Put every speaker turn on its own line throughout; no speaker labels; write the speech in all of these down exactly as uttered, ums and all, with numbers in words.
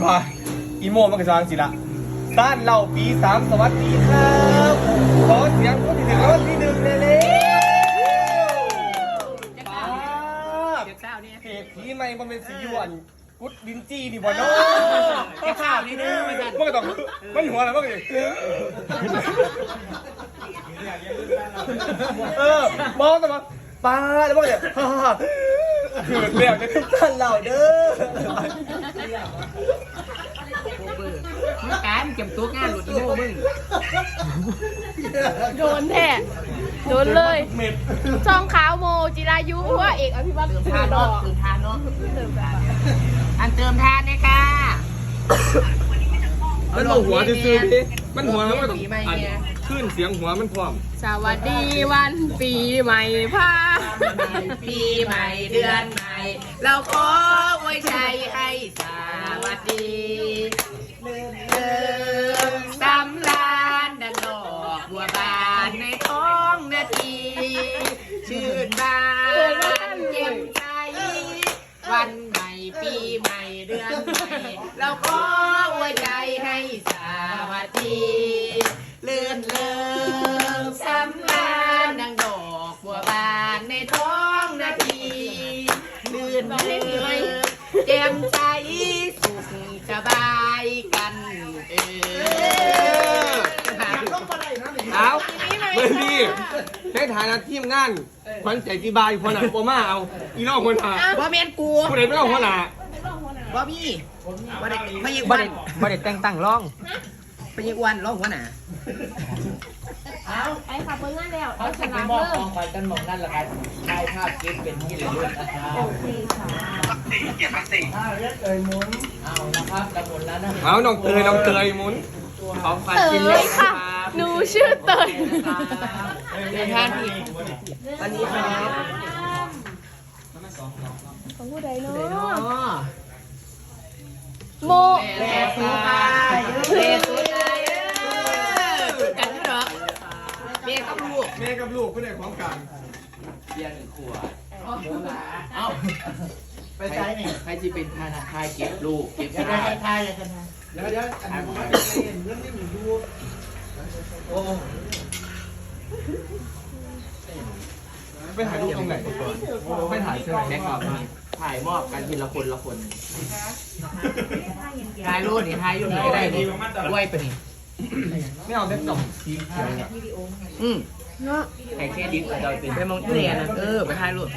ว่าอีโมมันก็จะวางสิละต้านเราปีสามสวัสดีครับขอเสียงคนที่ถึงรางวัลที่หนึ่งเลยเลยป้าเพจผีไม่มันเป็นสีหยวนกุดดินจี้นี่บ่เนาะข้าวนี่เด้อมันมันก็ต้องมันหัวอะไรมันก็อย่างเออมองแต่ว่าป้าแล้วมันก็อย่างฮ่าฮ่าคือเรียกในทุกท่านเราเด้อ
มึงการเก็บตัวงานหลุดอีโม่มึง
โดนแท้โดนเลยช่องขาวโมจิรายุว่าเอกอภิวัตร
เติมทานเนาะเติมทานเนาะอันเติมทานเนี่ยค่ะ
มันหัวซื่อๆพี่มันหัวมันต้องขึ้นเสียงหัวมันพร้อม
สวัสดีวันปีใหม่พา
ปีใหม่เดือนใหม่เราขออวยชัยให้สวัสดีเติมสำราญดังดอกบัวบานในท้องนาทีชื่นบานเย็นใจวันใหม่ปีใหม่เดือนใหม่เราขออวยใจให้สวัสดีเลื่อนเลิศสำราญดังดอกบัวบานในท้องนาทีลื่นเลิศแจ่มใจสุขสบายกันเออ
เอาเมื่อนี้ในฐานะทีมงานขวัญใจกีบายคนหนาโอมาเอาอีน้องคนหนา
บ่เมียนกู
ผู้ใดไม่ต้องคนหนา
บ่มีบ่ได้ไม่ยิง
บ่
วัน
ได้บ่ได้แต่งตั้งร้อง
ไปยิงวันร้องหัวหน้า
ไอ้ขับเบิ้งนั่นแล้วเอาฉลาม
มอบ
เริ่
ข
ม
องขวัญกันหมองนั่นแหละครับถ่ายภาพเก็บเป็นที่ระลึกนะครับถ้าเรียกเอ่ยหมุนเอานะครับกระหมุนแล้วนะ
เอาน้องเตยน้องเตยหมุนของขวัญ
เต
กินเลย
ยค่ะหนูชื่อเตย
เดินทางอีกวันนี้ครับ
ของผู้ใดเนาะ
อ๋อ
โม
แม่สุภาพแม่สุภาพกันด้วยเหรอแม่กับลูก
แม่กับลูกผู้ใดของกลาง
เบียร์หนึ่งขวดเอาไปใช้นี่ใครจะเป็นธนาคารเก็บลูกเก็บธนาคารเลยกันเดี๋ยวเดี๋ยวอันนี้ผมไม่เห็นเรื่องที่หนูดูโอ้
ไปถ่ายรูปตรงไหนไม่ถ่ายใช่ไหมแม่กอบ
ถ่ายมอบกันทีละคนละคน
ถ่ายรูปนี่ถ่ายอยู่นี่ก็ได้นี่ด้วยปะนี่
ไม่เอาเด็กกล่องสีเขียวเนี่ย
อืม
เนาะ
แข่งแค่ดิ้งเราเป็น
ไปมองที่เรียนนะเออไปถ่ายรูป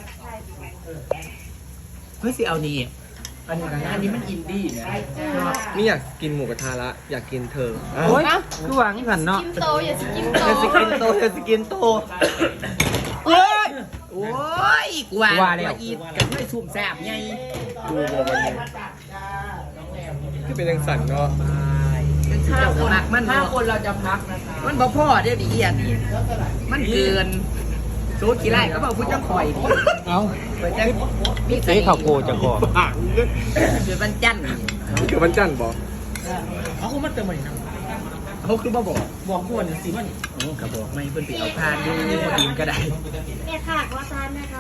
เฮ้ยสิเอานี่อันนี้อันนี้มันอินดี้นะ
ไม่อยากกินหมูกระทะละอยากกินเธอ
โอ้ยคือหวังสันเนาะ
กินโตอย่าสกินโต
เธอสกินโตเธอสกินโต
โอ้ยโอ้ยกว่าว่าอีดกันไม่สุ่มแซ่บไง
ดูวันนี้คือเป็นยังสั่นเนาะ
ห้าคนมัน
ห้าคนเราจะพักนะคะ
มันบ่พ่อเดี๋ยวดิเอียดมันเกินโซดกี่ไร่ก็บอกพูดจังคอยดิ
เอา
ไปจังพี่
เฮ้ยเขาโกจะก่อ
อ่ะ
เกิดวันจันทร์
คือวันจันทร์บอก
เขาคงมาเติมมาหนินะ
เขาคือบ่บอก
บอกควรสิว่านี่
โอ้กระบอกไม่เพิ่นไปเอาทานดูทีมก็ได้
แม่ค่ะว่าทานนะคะ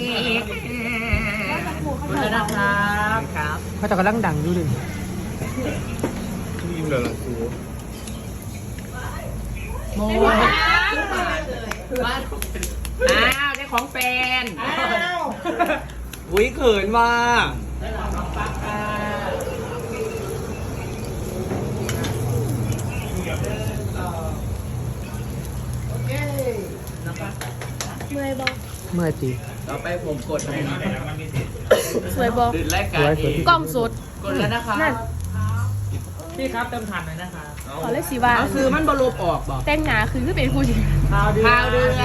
แล้วนะครับครับ
เขาจะกำลังดังอยู่ดิ
คือยิ้มเลยล่ะครู
โมบ้านอ้าวได้ของแฟน
อุ้ยเขินว่า
เมื่อยบอก
เมื่อจี
ต่อไปผมกดให้
สวยบอก
ดื่นรายการเอง
กล้องสด
กดแล้วนะคะ
นั่น
พี่ครับเติมทันหน่อยนะคะ
ขอเลขสีว่า
เอาคือมันบรลบออกบอก
แต่งหนาคือคือเป็นผู้หญิง
ข่าวเดือน
ข่าวเดือน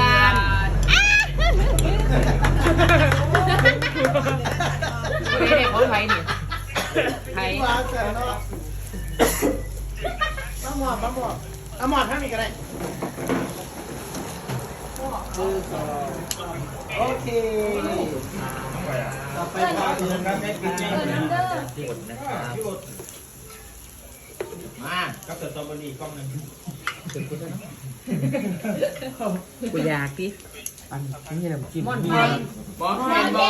ไม่ได้ของไทยนี่ไทย
มาหมอบมาหมอบเอาหมอบท่านมีกันได้โอเคต่อไปข่าวเดือนครับแม่กิน
เออนันเดอร์
มา
ก็เกิดตอนวันนี้กล้องหนึ่ง
กูอยากดิ
อันนี้น้ำจิ้ม
ม่อน
มี
แมนบอสแมนบอ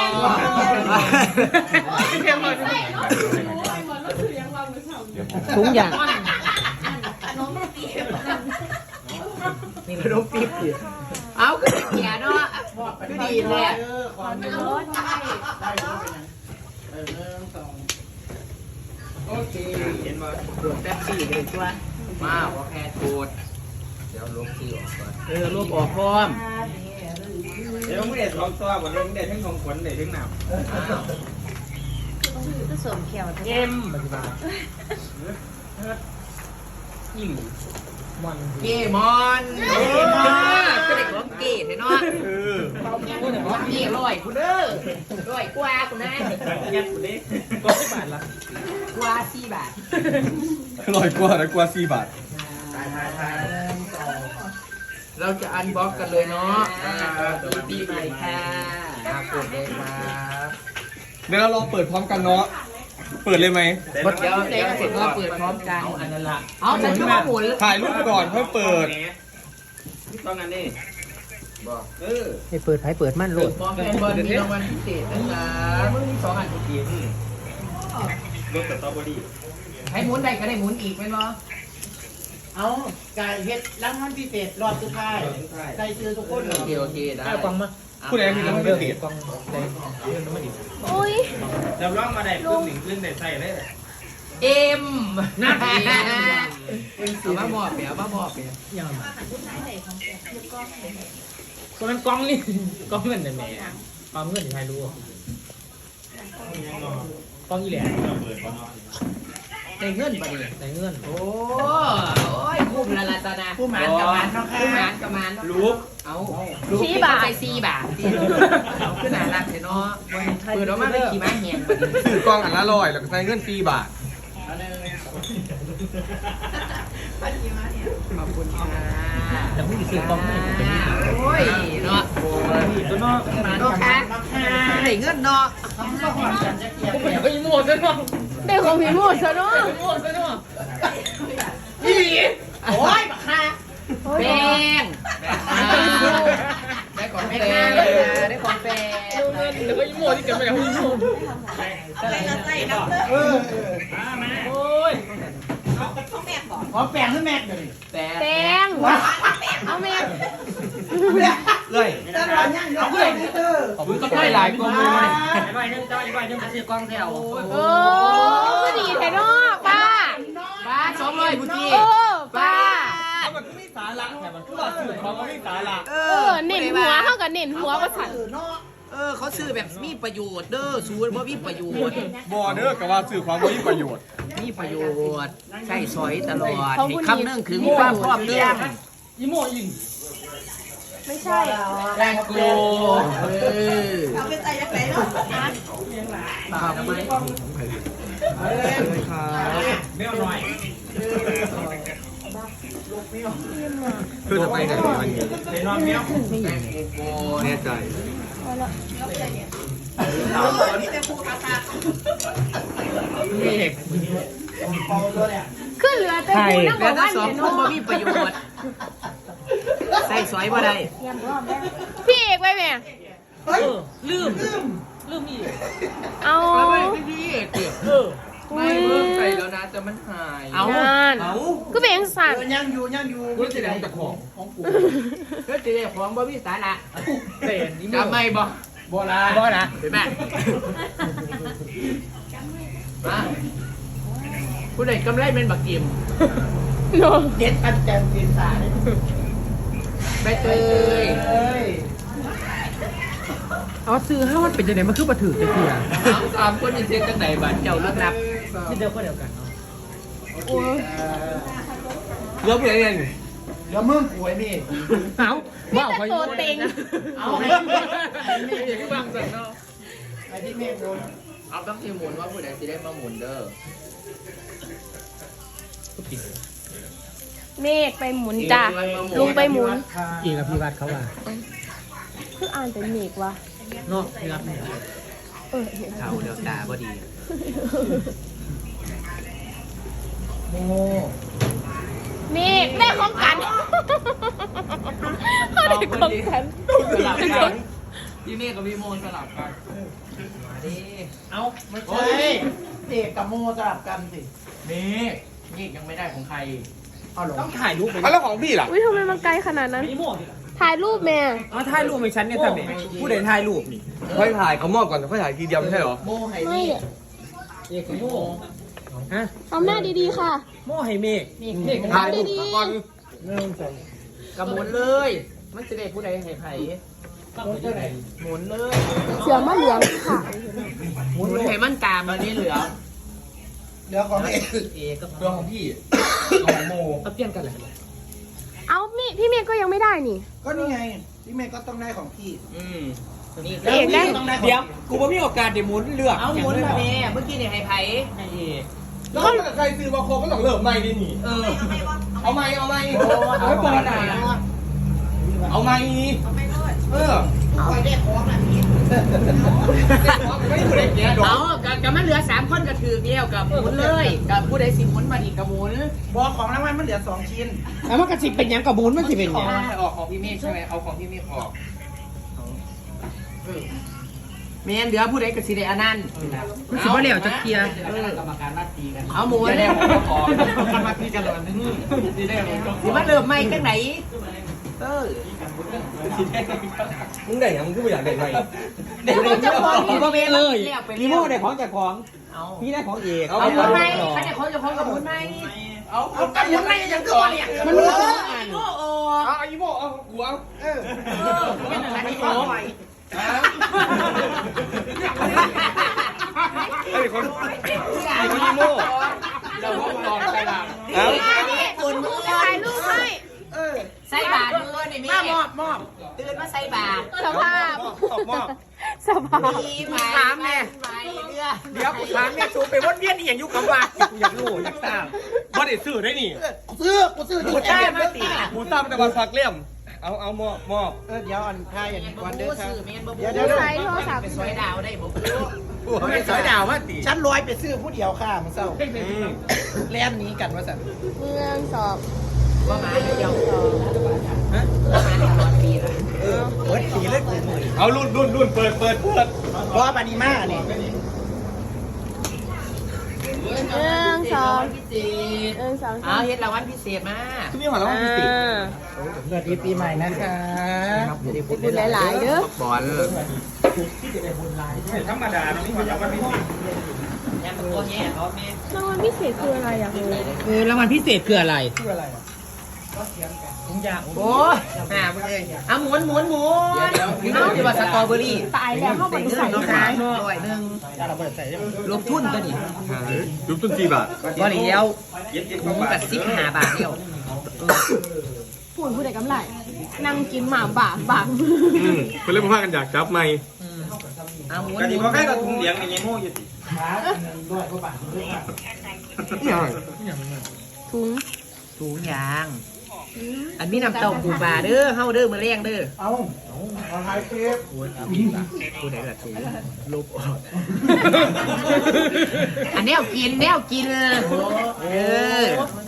สถุงอย่างนี่ขนมปี๊บดิเอาขึ้นเกียร์เนาะก็ดีแหละโอเคเห็นมาตรวจแป๊บซี่เลยตัวมาโอเคตรวจเดี๋ยวลบซี่ออกก่อนเออลบออกพร้อม
เดี๋ยวไม่ได้สองตัววันนี้ไม่ได้ทั้งของขวัญได้ทั้งหนาวก็สมเขียวเอ็มปฏิบัติยิ่งมอน
เกมอนเกมอนก็เด็กร้องเกย์เนาะเออเกย์ร้อยคุณเด้อร้อยกว่าคุณนะยัดคุณนี่ก็สี่บาทละกว่าสี่บาท
ลอยกว่าแล้วกว่าสี่บาท
เราจะอันบ็อกกันเลยเนาะปีใหม่ค่ะกดเลยครับ
เดี๋ยวเราลองเปิดพร้อมกันเนาะเปิดเลยไหม
เดี๋ยวเดี๋ยวเสร็จก็เปิดพร้อมกันอันนั้นละเอาฉันชื่อว่าหมุน
ถ่ายรูปก่อนเพื่อเปิด
ต้องกันนี่บอกเออ
ให้เปิดไพ่เปิดมั่นโหลดพร้อมกันเปิดมีรางวัลพิเศษนะครับมึงมีสองอันทุกที
รถสตรอเบอรี่
ให้หมุนได้ก็ได้หมุนอีกไหมเนาะ
เอาไก่เฮ็ดรางวัลพิเศษรอบสุดท้ายใส่ชื่อทุกคน
โอเคโอเคได้
กองมา
ผู้ใดมีรางวัลพิเศษกอง
โอ้ย
จำลองมาได้ขึ้นหนึ่งขึ้นได้ใส่เลย
เอ็มนะเอามาบอกเปียมาบอกเปียยังมา
คนนั้นกองนี่กองเงินแต่แม่กองเงินใครรู้กองยี่แหล่
ได้เงินปะเนี่ย
ได้เงิน
โอ้โอ้ยคุ้มละละตานาคุ้มหมานกับมันเนาะคุ้มหมานกับมัน
ลูก
เอาสี่บาทสี่บาทเอาขึ้นหนารักเนาะเปิดออกมาเป็นขี่ม้าแหง
ถือกองอันละร้อยแล้วก็ใส่เงินสี่บาท
ขอบคุณค่ะ
แต่ผู้หญิงซื้อกองไม่
โอ้ยเนาะ
ตัวเนาะ
เนาะค่ะได้เงินเนาะ
ไอ้หมดซะเนาะ
ได้ของพี่หมดซะเนาะ
หมดซะเนาะ
นี่โอ้ยบักค่ะแป้งได้ของแป้งได้ของแป้ง
แล้วก็ยิ้มหมดที่เกิดมาจากยิ้มหมด
อะไรนะใส่น้ำเออ
โอ้ย
ขอแป้งให้แม่เลย
แป้งเอาแม่
เลย
จะรอยังเอาเลย
ขอบคุณก็ได้หลายกองเลย
ไปนึงจ้าไปนึงจะซื้อกองแถว
โอ้ก็ดีแท้เนาะป้า
ป้าสองร้อยพุทธิ
โอ้ป้า
มันก็ไม่สาระแต่มันก็สื่อเขาก็ไม่สาระ
เออเน้นหัวเท่ากับเน้นหัวประสัน
เออเขาซื้อแบบมีประโยชน์เด้อซูนเพราะมีประโยชน์
บอเด้อกับว่าสื่อความว่ามีประโยชน์
มีประโยชน์ใช่ซอยตลอดคำนึงคือมีความพร้อมเพรียง
ยิ้มโมยิง
ไม่ใช่
แรงโกเออเอาไปใส่ยังไงเนาะตามไหม
ไม่เอาหน่อยคือจะไปไหนวันนี้ในนอนเมี้ยว
แรงโก
แน่ใจ
เอานี่เป็นผู้ค้าค้า
ขึ้นเรือแต่กูนั่งบอกว่า
สองคนบ่มีประโยชน์ใส่สวยบ่ได้
พี่เอกไปแม่
ลืมลืมอีก
เอา
ไม่พี่เอกเออไม่เพิ่มไปแล้วนะแต่มันหาย
เอาก็เป็นสั่ง
ยังอยู่ยังอยู่
ก็จะได้จากของของกู
ก็จะได้ของบ่มีสาระ
เต้นนี่
จำไม่บ่
บ่ละบ่ละ
เห็นไหมมาผู้ใดกำไรเป็นบักกิมเด็ดอันแจ่มเปลี่ยนสายใบเตย
เอาซื้อให้มันเป็นยังไงมันคือมาถือจะเสีย
สามคนนี่เสียกันไหนบ้านเจ้าเลือกนับ
ที่เดียวก็เดียวกัน
โอ้ย
เลือกอะไรเนี่ย
เลือกมึงป่วยนี่
เอา
บ้าไปโตเต็ง
เอาให้
ที่บางสันเนาะ
ไอ้ที่เมฆหมุนเอาต้องที่หมุนว่าผู้ใดจะได้มาหมุนเด้อ
เมฆไปหมุนจ้ะลุงไปหมุน
อีกับพี่วัดเขาว่า
คืออ่านเป็นเมฆวะ
เนาะพี่วัดเนี่ย
เออ
เขาเดี๋ยวตาพอดี
โมเมฆได้ของกันเขาได้ของฉัน
สลับกันพี่เมฆกับพี่โมสลับกันมาดิ
เอาไม่
โอ้
ใช่
ยเด็กกับโมสลับกันสิเมฆเมฆยังไม่ได้ของใครเอาหรอ
ต้องถ่ายรูปไป
แล้วของพี่ล่ะ
อุ้ยทำไมมันไกลขนาดนั้น
นี่หมวก
ถ่ายรูปแม่
อ๋อถ่ายรูปให้ฉันเนี่ยทำไงผู้ใดถ่ายรูปนี่
ค่อยถ่ายเขามอบก่อนค่อยถ่ายทีเดียวไม่ใช่เหรอ
โมให้
ไม่
นี่
อะ
เอกโม่ฮะ
ทำหน้าดีๆค่ะ
โม่ให้เมฆเมฆ
ถ่ายรูปก่อน
กระหมุนเลยมันจะได้ผู้ใดให้ไผ่หมุนเลย
เสือมะเหลืองค่ะ
หมุนให้มันตามมานี่เหลือ
เหลือของเอก
เอกก็
เรื่องของพี่ของโม
เอาเปลี่ยนกันเลย
เอาพี่พี่เมย์ก็ยังไม่ได้นี่
ก็นี่ไงพี่เมฆก็ต้องได้ของพี่
อืมนี่
เอกได้
เดี๋ยวกูไม่มีโอกาสเดี๋ยวหมุนเลือกเอาหมุนมาแม่เมื่อกี้เนี่ยให้ไผ่ให้เอก
แล้วใครซื้อมาโคก็ต้องเริ่มใหม่ดิหนิ
เออ
เอาใหม่เอาใหม่
เอาไปก่อนนะ
เอาใหม่เออ
คอยได้ของอันนี้
ไม่ถูกได้แก่ดอก
เอากับกับมันเหลือสามคนก็ถือเดียวกับหมุนเลยกับผู้ใดสิหมุนมาอีกกับหมุน
บอกของรางวัลมันเหลือสองชิ้น
แล้วมันก็สิเป็นยังกับหมุนมันสิเป็นยัง
ออกของพี่เมฆใช่ไหมเอาของพี่เมฆออก
เมียนเหลือผู้ใดก็สิได้อันนั้นสิบ่เหลียวจะเคลียร์
กรรมการนัดตีกัน
เอาหมุน
จะได้ของออก
มาตีกันเลยตีได้
สิมาเริ่มใหม่จังไหนเออ
มึงได้ยังมึงก็ไม่อยากได้ใหม่
เดี๋ยวเราจะของอีกบ่แม่นเลย
พี่โม่ได้ของจากของ
เอา
พี่ได้ของเอก
เอาหมุนไหมเขาจะของจะของกับหมุนไหม
เอา
เอากันยังไงยังก่อนเนี่ย
มันรู้สองอันโอ้โห
เอาอีโมเอาหัว
เออ
เออเป็นอะไรที่โอ้ย
ไอ้คนไอ้คนอีโม
เราพบตอนไปหลัง
เอา
คนมือ
ถ่ายรูปให้
เออ
ใส่บาทมือนี่แม่มอบมอบตื่นมาใส่บาท
สภาพสภาพ
ปีใหม่ถามแม่เดี๋ยวถามแม่สูไปวนเวียนอีหยังอยู่กับว่าอยากรู้อยากทราบ
บ่ได้ซื้อได้นี่
ซื้อกูซื้อ
กูได้มาติ
หมูตั้มแต่วันพักเลี่ยมเอาเอามอบมอบ
เออเดี๋ยวอันท่าอย่างนี้ก่อนเด้อครับ
ซื้อแม่นบ่
เดี๋ยวเดี๋ยว
ใช้โทรศัพท์
ไปสวยดาวได้บ่ไม่สวยดาวมาติ
ฉันลอยไปซื้อผู้เดียวค่ะมันเศร้าแล่นนี้กันว่าสัน
เมืองสอบ
ว่ามาเดียวฮะว่ามาในตอนปีละ
เปิดสีเลยกูมือ
เอารุ่นรุ่นรุ่นเปิดเปิดเปิด
เพราะว่าปานิมาเนี่ย
เมืองสอบ
พิเศษ
เมืองสอบ
เอาเฮ็ดรางวัลพิเศษมา
คุณมีหัวเราะพิเศษ
สวัสดีปีใหม่นะคะ
บุญหลายๆเด้อบ
อล
ธรรมดาไม่หัวเราะพิเศษ
ยังตัวแย่เขาแม่
รางวัลพิเศษคืออะไรอยากรู้
คือรางวัลพิเศษคืออะไร
ชื่ออะไร
โอ้ยหามึงเลยเอาหมุนหมุนหมุนเอาที่ว่าสตรอเบอรี่
ตายแล้วเข้าไปใส่
น้อง
ท้า
ขาย ยร้อยหนึ่ง
เราเปิดใส่ยัง
ลงทุนตัวนี้
รูปต้นจีบอ่ะ
ก็เลี้ยวหมูกับสิบห้าบาทเดียว
พูดผู้ใดกำไรนั่งกินหมาบากบาก
อืมเพื่อนเล่นมากันอยากจับไหม
เอาหมุน
กันดีเพราะแค่กับถุงเหลียงในยี่โม่อยู่สิ
ขาด้วยก็บาทด้วย
ถุง
ถุงยาง อันนี้นำเต้าปูปลาเด้อเฮาเด้อมือแรงเด้อ
เอาเอาท้ายเทป
ผู้ใดละถุงลบออกอันแนวกินแนวกินเออ